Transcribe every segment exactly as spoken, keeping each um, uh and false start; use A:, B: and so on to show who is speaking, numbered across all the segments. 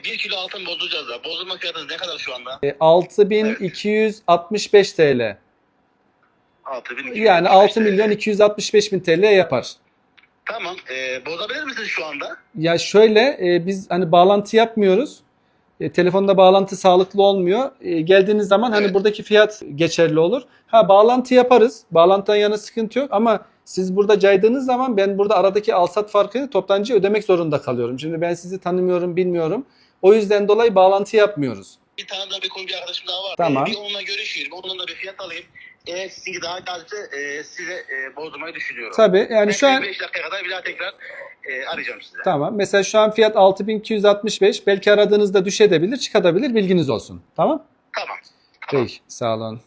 A: bir kilo altın bozacağız da. Bozulma fiyatınız ne kadar şu anda?
B: E, altı bin iki yüz altmış beş T L.
A: altı bin.
B: Yani altı milyon iki yüz altmış beş bin T L yapar.
A: Tamam. E, bozabilir misiniz şu anda?
B: Ya şöyle e, biz hani bağlantı yapmıyoruz. E, telefonda bağlantı sağlıklı olmuyor. E, geldiğiniz zaman hani
A: Evet.
B: buradaki fiyat geçerli olur. Ha bağlantı yaparız. Bağlantıdan yana sıkıntı yok ama siz burada caydığınız zaman ben burada aradaki alsat farkını toptancıya ödemek zorunda kalıyorum. Şimdi ben sizi tanımıyorum, bilmiyorum. O yüzden dolayı bağlantı yapmıyoruz.
A: Bir tane daha bir konu bir arkadaşım daha var.
B: Tamam.
A: E, bir onunla görüşeyim. Onunla bir fiyat alayım. Eğer sizinki daha cazipse e, size e, bozdurmayı düşünüyorum.
B: Tabii yani şu an
A: beş dakika kadar bir daha tekrar e, arayacağım size.
B: tamam. Mesela şu an fiyat altı bin iki yüz altmış beş. Belki aradığınızda düşebilir, çıkabilir. Bilginiz olsun. Tamam?
A: Tamam. Tamam.
B: Peki. Sağ olun.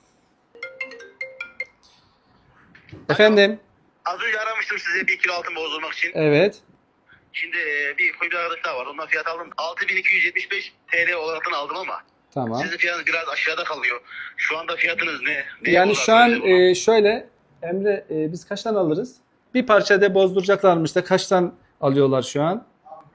B: Efendim?
A: Az önce aramıştım size bir kilo altın bozdurmak için.
B: Evet.
A: Şimdi e, bir koyu bir arkadaş daha var. Ondan fiyat aldım. altı bin iki yüz yetmiş beş T L olaraktan aldım ama
B: Tamam.
A: sizin fiyatınız biraz aşağıda kalıyor. Şu anda fiyatınız ne? ne
B: Yani
A: olarak
B: şu an
A: söyleyeyim
B: e, şöyle Emre e, biz kaçtan alırız? Bir parça da bozduracaklarmış da kaçtan alıyorlar şu an?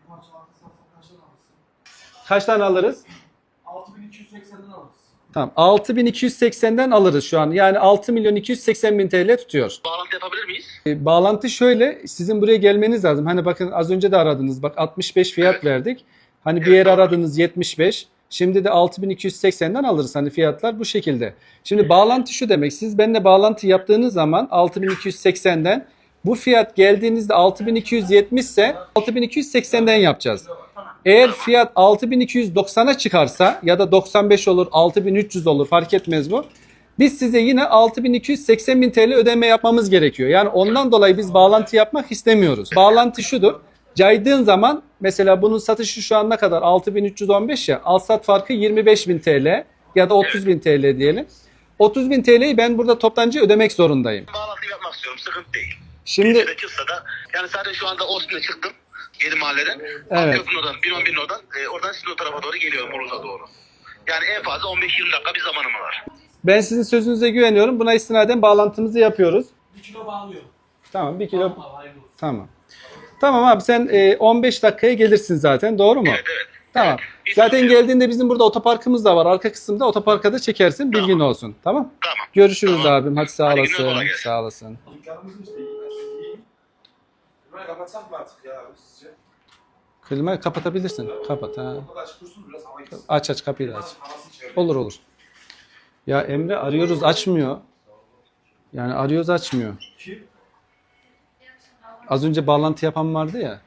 B: Kaçtan alırız?
C: altı bin iki yüz seksenden alırız.
B: Tamam. altı bin iki yüz seksenden alırız şu an. Yani altı milyon iki yüz seksen bin T L tutuyor.
A: ona? Bağlantı yapabilir miyiz?
B: E, bağlantı şöyle, sizin buraya gelmeniz lazım. Hani bakın az önce de aradınız. Bak altmış beş fiyat
A: Evet.
B: verdik. Hani bir
A: Evet,
B: yer
A: doğru.
B: aradınız yetmiş beş. Şimdi de altı bin iki yüz seksenden alırız. Hani fiyatlar bu şekilde. Şimdi bağlantı şu demek. Siz benimle bağlantı yaptığınız zaman altı bin iki yüz seksenden bu fiyat geldiğinizde altı bin iki yüz yetmiş ise altı bin iki yüz seksenden yapacağız. Eğer fiyat altı bin iki yüz doksana çıkarsa ya da doksan beş olur, altı bin üç yüz olur, fark etmez bu. Biz size yine altı bin iki yüz seksen bin T L ödeme yapmamız gerekiyor. Yani ondan dolayı biz bağlantı yapmak istemiyoruz. Bağlantı şudur. Caydığın zaman mesela bunun satışı şu an ne kadar? altı bin üç yüz on beş ya. Alsat farkı yirmi beş bin T L ya da otuz bin T L diyelim. otuz bin T L'yi ben burada toptancıya ödemek zorundayım.
A: Bağlantı yapmak istiyorum. Sıkıntı değil.
B: Şimdi
A: Bir çıksa da yani sadece şu anda Osman'a çıktım. Yedi mahalleden.
B: Evet.
A: Köprü'den, bin on bin oradan. E, oradan sizin o tarafa doğru geliyorum. Uruz'a doğru. Yani en fazla on beş yirmi dakika bir zamanım var.
B: ben sizin sözünüze güveniyorum. Buna istinaden bağlantımızı yapıyoruz.
C: bir kilo bağlıyor.
B: Tamam bir kilo.
C: Tamam, hayırlı olsun.
B: Tamam. Tamam abi sen e, on beş dakikaya gelirsin zaten, doğru mu?
A: Evet evet.
B: Tamam.
A: Evet.
B: Zaten
A: Bir-
B: geldiğinde bizim burada otoparkımız da var. Arka kısımda otoparka da çekersin. Bilgin
A: Tamam.
B: olsun. Tamam?
A: Tamam.
B: Görüşürüz
A: Tamam.
B: abim. Hadi sağ
A: Hadi günler, kolay
B: olasın.
A: gelsin.
B: Sağ olasın.
C: Dükkanımızın işte iyi. iyi. Burayı kapatsak mı artık ya abi sizce?
B: Klimayı kapatabilirsin. Kapat ha.
C: Orada da açık dursun biraz hava gitsin.
B: Aç aç kapıyı da aç.
C: Havası içeride.
B: Olur olur. Ya Emre arıyoruz açmıyor. Yani arıyoruz açmıyor.
C: Kim?
B: Az önce bağlantı yapan vardı ya.